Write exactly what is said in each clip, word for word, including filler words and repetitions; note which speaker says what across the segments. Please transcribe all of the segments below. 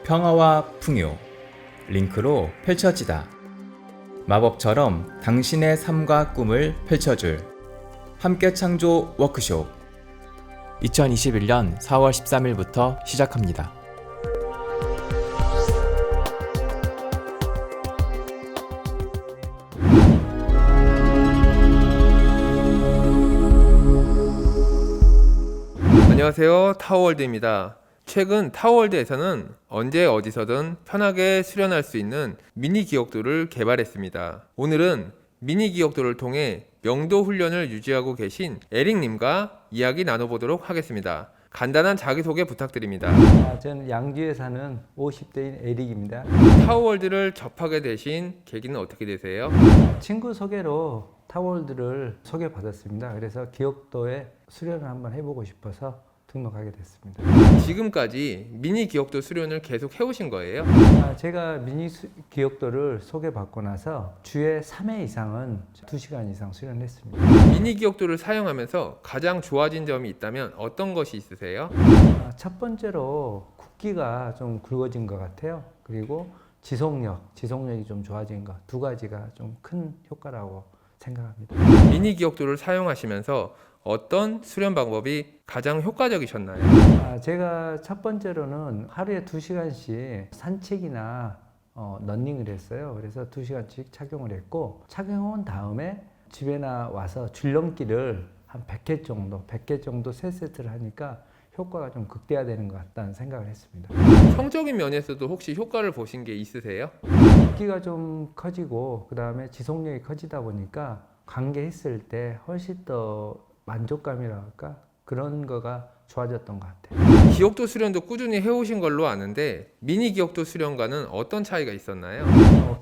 Speaker 1: 평화와 풍요, 링크로 펼쳐지다. 마법처럼 당신의 삶과 꿈을 펼쳐줄 함께 창조 워크숍. 이천이십일 년 사월 십삼일부터 시작합니다.
Speaker 2: 안녕하세요, 타워월드입니다. 최근 타워월드에서는 언제 어디서든 편하게 수련할 수 있는 미니 기억도를 개발했습니다. 오늘은 미니 기억도를 통해 명도 훈련을 유지하고 계신 에릭님과 이야기 나눠보도록 하겠습니다. 간단한 자기소개 부탁드립니다.
Speaker 3: 아, 저는 양주에 사는 오십 대인 에릭입니다.
Speaker 2: 타워월드를 접하게 되신 계기는 어떻게 되세요?
Speaker 3: 친구 소개로 타워월드를 소개받았습니다. 그래서 기억도에 수련을 한번 해보고 싶어서 등록하게 됐습니다.
Speaker 2: 지금까지 미니 기억도 수련을 계속 해오신 거예요?
Speaker 3: 아, 제가 미니 수, 기억도를 소개받고 나서 주에 삼 회 이상은 두 시간 이상 수련했습니다.
Speaker 2: 미니 기억도를 사용하면서 가장 좋아진 점이 있다면 어떤 것이 있으세요?
Speaker 3: 아, 첫 번째로 굵기가 좀 굵어진 것 같아요. 그리고 지속력, 지속력이 좀 좋아진 것, 두 가지가 좀 큰 효과라고 생각합니다.
Speaker 2: 미니 기억도를 사용하시면서 어떤 수련 방법이 가장 효과적이셨나요?
Speaker 3: 아, 제가 첫 번째로는 하루에 두 시간씩 산책이나 어, 러닝을 했어요. 그래서 두 시간씩 착용을 했고, 착용한 다음에 집에나 와서 줄넘기를 한 백 회 정도, 백 개 정도 세 세트를 하니까 효과가 좀 극대화되는 것 같다는 생각을 했습니다.
Speaker 2: 성적인 면에서도 혹시 효과를 보신 게 있으세요?
Speaker 3: 굵기가 좀 커지고, 그 다음에 지속력이 커지다 보니까 관계했을 때 훨씬 더 만족감이랄까? 그런 거가 좋아졌던 것 같아요.
Speaker 2: 기억도 수련도 꾸준히 해오신 걸로 아는데 미니 기억도 수련과는 어떤 차이가 있었나요?
Speaker 3: 어,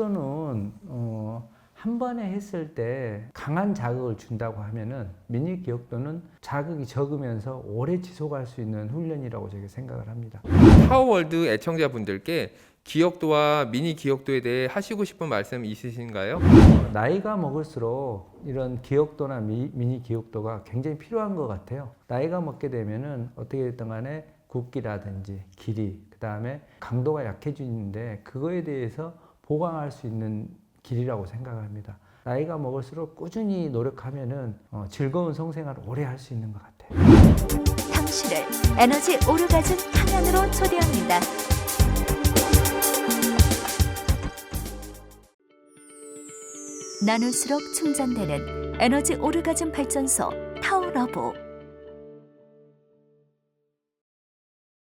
Speaker 3: 기억도는 어, 한 번에 했을 때 강한 자극을 준다고 하면은 미니 기억도는 자극이 적으면서 오래 지속할 수 있는 훈련이라고 제가 생각을 합니다.
Speaker 2: 타워월드 애청자분들께 기억도와 미니 기억도에 대해 하시고 싶은 말씀 있으신가요?
Speaker 3: 어, 나이가 먹을수록 이런 기억도나 미, 미니 기억도가 굉장히 필요한 것 같아요. 나이가 먹게 되면은 어떻게 됐든 간에 굵기라든지 길이, 그 다음에 강도가 약해지는데 그거에 대해서 보강할 수 있는 길이라고 생각합니다. 나이가 먹을수록 꾸준히 노력하면은 어, 즐거운 성생활을 오래 할 수 있는 것 같아요.
Speaker 4: 당신을 에너지 오르가즘 탕양으로 초대합니다. 나눌수록 충전되는 에너지 오르가즘 발전소 타워러브.